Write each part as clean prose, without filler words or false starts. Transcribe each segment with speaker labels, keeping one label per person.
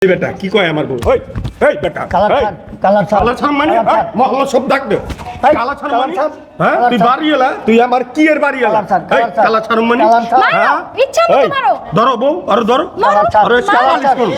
Speaker 1: বেটা কি কয় আমার বউ এই এই বেটা
Speaker 2: কালার
Speaker 1: ছাড় মানে মহল্লা সব ডাক দে কালা ছাড় মানে হ্যাঁ তুই বাড়ি এলা তুই আমার কি এর বাড়ি এলা এই কালা ছাড় মানে
Speaker 3: হ্যাঁ ইচ্ছা মতো মারো
Speaker 1: ধরো বউ আরে ধরো আরে সাবাস করো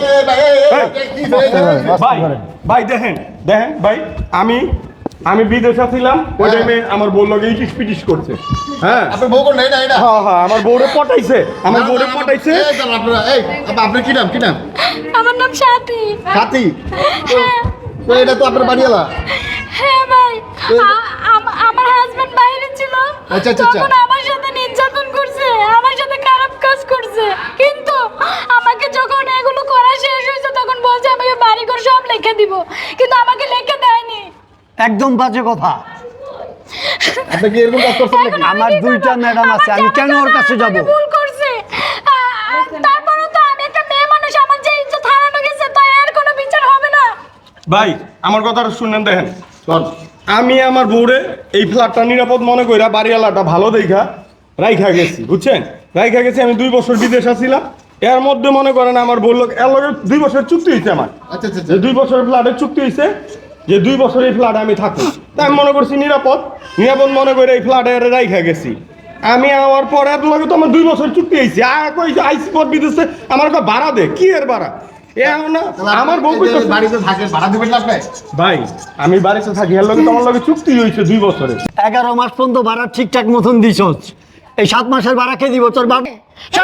Speaker 1: ভাই ভাই দেখেন দেখেন ভাই আমি বিদেশে ছিলাম ওই টাইমে আমার বউ লগে ইটিস পিটিস করছে হ্যাঁ
Speaker 4: আপনার বউ কোন নাই না এটা
Speaker 1: হ্যাঁ হ্যাঁ আমার বউরে পটাইছে
Speaker 4: এই দাঁড়ান আপনারা এই আপনার কি নাম
Speaker 3: আমার নাম সাথী
Speaker 4: সাথী তো এটা তো আপনার বাড়িওয়ালা
Speaker 3: হ্যাঁ ভাই আমার হাজবেন্ড বাইরে ছিল
Speaker 4: আচ্ছা।
Speaker 3: তখন আমার সাথে নির্যাতন করছে আমার সাথে খারাপ কাজ করছে কিন্তু আমাকে যখন এগুলো করা শেষ হয়েছে তখন বলছে আমাকে বাড়িঘর সব লিখে দিব কিন্তু আমাকে লিখে দেয়নি
Speaker 2: একদম বাজে কথা।
Speaker 4: আপনি কি এরকম কাজ করছেন নাকি?
Speaker 2: আমার দুইটা ম্যাডাম আছে, আমি কেন ওর কাছে যাব?
Speaker 3: ভুল করছে তারপরেও তো আমি একটা মেয়ে মানুষ, আমার যে ইজ্জত হারানো গেছে তাই আর কোনো বিচার হবে না।
Speaker 1: ভাই আমার কথাটা শুনেন দেখেন
Speaker 4: চল
Speaker 1: আমি আমার বউরে এই ফ্ল্যাটটা নিরাপদ মনে কইরা বাড়িওয়ালাটা ভালো দেখা রাইখা গেছি বুঝছেন রাইখা গেছি আমি 2 বছর বিদেশে ছিলাম এর মধ্যে মনে করেন আমার বউ লোক এর লগে 2 বছর চুক্তি হয়েছে আমার
Speaker 4: আচ্ছা
Speaker 1: যে 2 বছরের ফ্ল্যাটের চুক্তি হয়েছে যে 2 বছর এই ফ্ল্যাটে আমি থাকবো তাই আমি মনে করছি নিরাপদ মনে করে এই ফ্ল্যাটে রাইখা গেছি আমি আমার পরে এর লগে তো আমার 2 বছর চুক্তি হয়েছে আইসি পর বিদেশে আমার ভাড়া দে কি এর ভাড়া আমার বউ
Speaker 4: বাড়িতে থাকে ভাড়া দিবেন না আপনি
Speaker 1: ভাই আমি বাড়িতে থাকি এর লগে তোমার লগে চুক্তি হয়েছে 2 বছরের
Speaker 2: 11 মাস পর্যন্ত ভাড়া ঠিকঠাক মতন দিছস, এই 7 মাসের ভাড়া কে দিব তোর বাবা?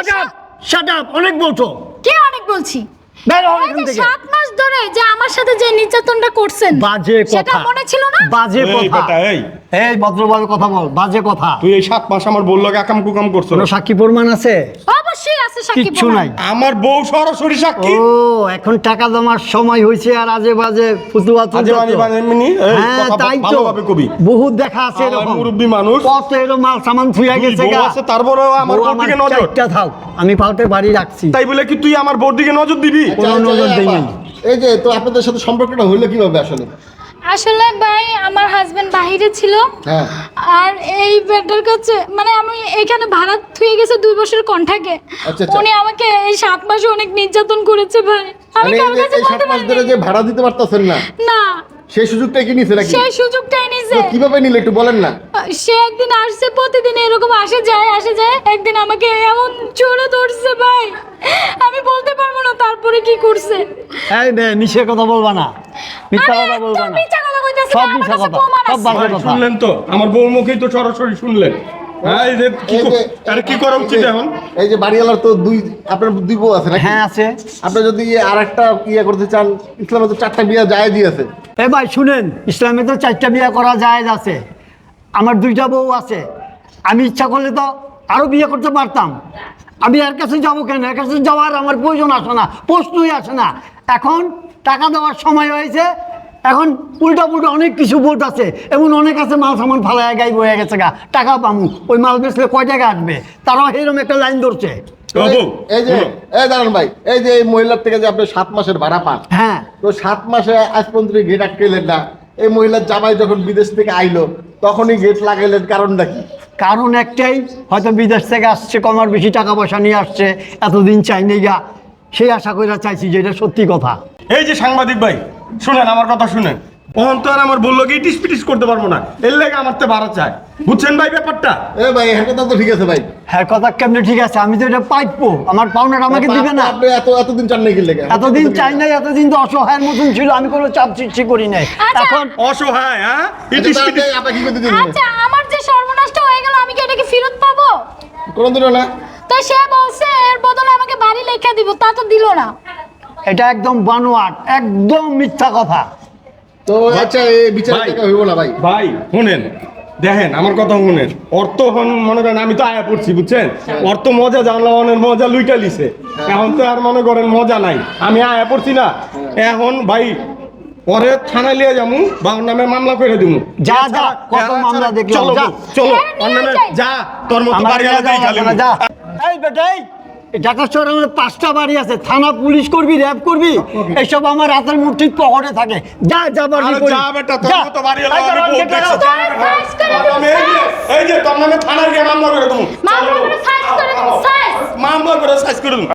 Speaker 2: শাট আপ অনেক বলছো।
Speaker 3: কে অনেক বলছি?
Speaker 2: বের হও
Speaker 3: এই
Speaker 2: এখান
Speaker 3: যে
Speaker 2: থেকে।
Speaker 3: 7 মাস ধরে যে আমার সাথে যে নির্যাতনটা করছেন
Speaker 2: বাজে
Speaker 3: সেটা
Speaker 2: কথা
Speaker 3: মনে ছিল না?
Speaker 2: বাজে
Speaker 1: এই
Speaker 2: কথা
Speaker 1: বেটা এই
Speaker 2: এই ভদ্রভাবে কথা বল, বাজে কথা।
Speaker 1: তুই এই 7 মাস আমার বউ লগে আকাম কুকাম করছো
Speaker 2: কোনো সাক্ষী প্রমাণ আছে?
Speaker 3: অবশ্যই আছে সাক্ষী
Speaker 2: কিচ্ছু
Speaker 3: প্রমাণ।
Speaker 2: নাই।
Speaker 1: আমার বউ সরাসরি সাক্ষী
Speaker 2: ও এখন টাকা জমার সময় হয়েছে আর আজে বাজে ফুতুয়া
Speaker 1: আজে বাজে মানে এমনি এই
Speaker 2: হ্যাঁ
Speaker 1: কথা
Speaker 2: তাই তো
Speaker 1: ভালোভাবে কবি
Speaker 2: বহুত দেখা আছে
Speaker 1: আমার
Speaker 2: এরকম
Speaker 1: মুরব্বি মানুষ
Speaker 2: কত এরকম মাল সামান থুইয়া
Speaker 1: দুই
Speaker 2: গেছে
Speaker 1: বউ
Speaker 2: গা।
Speaker 1: আছে তারপরেও আমার
Speaker 2: বউ
Speaker 1: বউর দিকে নজর
Speaker 2: চারটা থাক, আমি পাল্টে বাড়ি রাখছি।
Speaker 1: তাই বলে কি তুই আমার বউর দিকে নজর দিবি
Speaker 2: কোনো নজর দেই নাই।
Speaker 4: এই যে তো আপনাদের সাথে সম্পর্কটা হইলো কিভাবে আসলে?
Speaker 3: আসলে ভাই আমার হাজবেন্ড বাইরে ছিল
Speaker 4: হ্যাঁ
Speaker 3: আর এই বেটার কাছে মানে আমি এখানে ভাড়া থুয়ে গেছে 2 বছরের কন্ট্রাক্টে
Speaker 4: আচ্ছা।
Speaker 3: উনি আমাকে এই 7 মাসে অনেক নির্যাতন করেছে ভাই আমি
Speaker 4: মানে
Speaker 3: কারোর কাছে
Speaker 4: এই 7
Speaker 3: বলতে
Speaker 4: মাস
Speaker 3: পারি
Speaker 4: ধরে যে ভাড়া দিতে পারতাছেন না
Speaker 3: না
Speaker 4: সেই সুযোগটা কি নিছে নাকি?
Speaker 3: সেই সুযোগটাই নিছে
Speaker 4: তো কিভাবে নিলে একটু বলেন না।
Speaker 3: সে একদিন আসছে প্রতিদিন এরকম আসে যায় একদিন আমাকে এমন জোরে ধরছে ভাই আমি বলতে পারবো না তারপরে কি করছে
Speaker 2: এই নে মিছে কথা বলবা না, মিথ্যা কথা বলবা না,
Speaker 3: মিথ্যা কথা কইতাছি
Speaker 2: সব
Speaker 3: না, আমার
Speaker 2: মিথ্যা
Speaker 3: কাছে
Speaker 2: কথা,
Speaker 3: প্রমাণ
Speaker 2: সব
Speaker 3: আছে।
Speaker 2: বাজে
Speaker 1: ভাই,
Speaker 2: কথা।
Speaker 1: শুনলেন তো আমার বউর মুখেই তো সরাসরি শুনলেন হ্যাঁ এই যে কি
Speaker 4: এই যে-
Speaker 1: আরে কি করা উচিত এখন
Speaker 4: এই যে বাড়িওয়ালার তো আপনার 2 বউ আছে নাকি?
Speaker 2: হ্যাঁ আছে।
Speaker 4: আপনি যদি আরেকটা ইয়ে করতে চান, ইসলামে তো 4টা বিয়ে জায়েজই আছে।
Speaker 2: এ ভাই শুনেন, ইসলামে তো 4টা বিয়ে করা জায়েজ আছে, আমার 2টা বউ আছে, আমি ইচ্ছা করলে তো আরো বিয়ে করতে পারতাম। আমি এর কাছে যাবো কেন? এর কাছে যাওয়ার আমার প্রয়োজন আসে না, প্রশ্নই আসে না। এখন টাকা দেওয়ার সময় হয়েছে, এখন উল্টা অনেক কিছু বোট আছে, এমন অনেক আছে মাল সামান ফালায় গাই বয়ে গেছে গা, টাকা পামু, ওই মাল বেচলে কয় টাকা আসবে, তারাও এরকম একটা লাইন ধরছে।
Speaker 1: ও বউ
Speaker 4: এই যে এই দাঁড়ান ভাই, এই যে এই মহিলার থেকে যে আপনি 7 মাসের ভাড়া পান,
Speaker 2: হ্যাঁ
Speaker 4: তো 7 মাসে আজ পর্যন্ত গেট আটকেলেন না। এই মহিলার জামাই যখন বিদেশ থেকে আইলো তখনই গেট লাগাইলেন, কারণটা কি?
Speaker 2: কারণ একটাই, হয়তো বিদেশ থেকে আসছে, কমার বেশি টাকা পয়সা নিয়ে আসছে, এতদিন চাইনি গা, সেই আশা করে চাইছি যে এটা সত্যি কথা।
Speaker 1: এই যে সাংবাদিক ভাই শুনেন আমার কথা শুনেন তখন তো আর আমার বললো কি টিস পিটিস করতে পারবো না এর লেগে আমার তো ভাড়া চাই বুঝছেন ভাই ব্যাপারটা
Speaker 4: এ ভাই হ্যাঁ কথা তো ঠিক আছে ভাই,
Speaker 2: হ্যাঁ কথা কেমনে ঠিক আছে, আমি তো এটা পাইপো, আমার পাওনাটা আমাকে দিবে না।
Speaker 4: আপনি এতদিন চান নাকি লেগে?
Speaker 2: এতদিন চাই নাই, এতদিন তো অসহায়ের মতন ছিল, আমি কোনো চাপ সৃষ্টি করি নাই।
Speaker 3: আচ্ছা।
Speaker 2: এখন
Speaker 1: অসহায় হ্যাঁ ইটিস পিটিস
Speaker 4: আপনি কি করতে দিবেন?
Speaker 3: আচ্ছা আমার যে সর্বনাশটা হয়ে গেল আমি কি এটা কি ফেরত পাবো?
Speaker 4: কোনদিনও না।
Speaker 3: তো সে বলছে এর বদলে আমাকে বাড়ি লেখা দিব, তা তো দিল না।
Speaker 2: এটা একদম বানোয়াট, একদম মিথ্যা কথা।
Speaker 4: তো আচ্ছা এই বিচার
Speaker 1: ভাই।
Speaker 4: দেখা হইব না ভাই।
Speaker 1: ভাই শুনেন দেখেন আমার কথা শুনেন অর্থ হন মনে করেন আমি তো আয়া পড়ছি বুঝছেন অর্থ মজা জানলাম অনেক মজা লুইটা লিছে এখন তো আর মনে করেন মজা নাই আমি আয়া পড়ছি না এখন ভাই পরে থানায় লিয়ে যাবো বা ওর নামে মামলা করে দিব
Speaker 2: যা, যা, কত মামলা দেখলাম,
Speaker 1: চলো
Speaker 2: যা।
Speaker 1: চলো
Speaker 3: হ্যাঁ,
Speaker 1: ওর নামে
Speaker 3: নিয়ে যাই।
Speaker 1: যা তোর মতো
Speaker 2: আমার
Speaker 1: বাড়ি
Speaker 2: এলাকায়
Speaker 1: আলাদাই খালি
Speaker 2: যাওয়া যাবে না, যা। এই বেটাই, ঢাকা শহরে আমার 5টা বাড়ি আছে, থানা পুলিশ করবি, র্যাব করবি, এইসব আমার হাতের মুঠির পকেটে থাকে। যা যা বাড়ি
Speaker 1: আরে
Speaker 2: করি।
Speaker 1: যা বেটা তোর
Speaker 2: যা।
Speaker 1: মতো বাড়ি
Speaker 2: এই
Speaker 1: আলাদা আমি
Speaker 2: যে,
Speaker 1: বহুত দেখছি যা বেটা।
Speaker 3: সাইজ করে
Speaker 1: আমি এই যে তোর নামে থানায় গিয়ে মামলা করে দেবো
Speaker 3: মামলা করে সাইজ করে দিন, সাইজ।
Speaker 1: মামলা করে সাইজ করে দেবো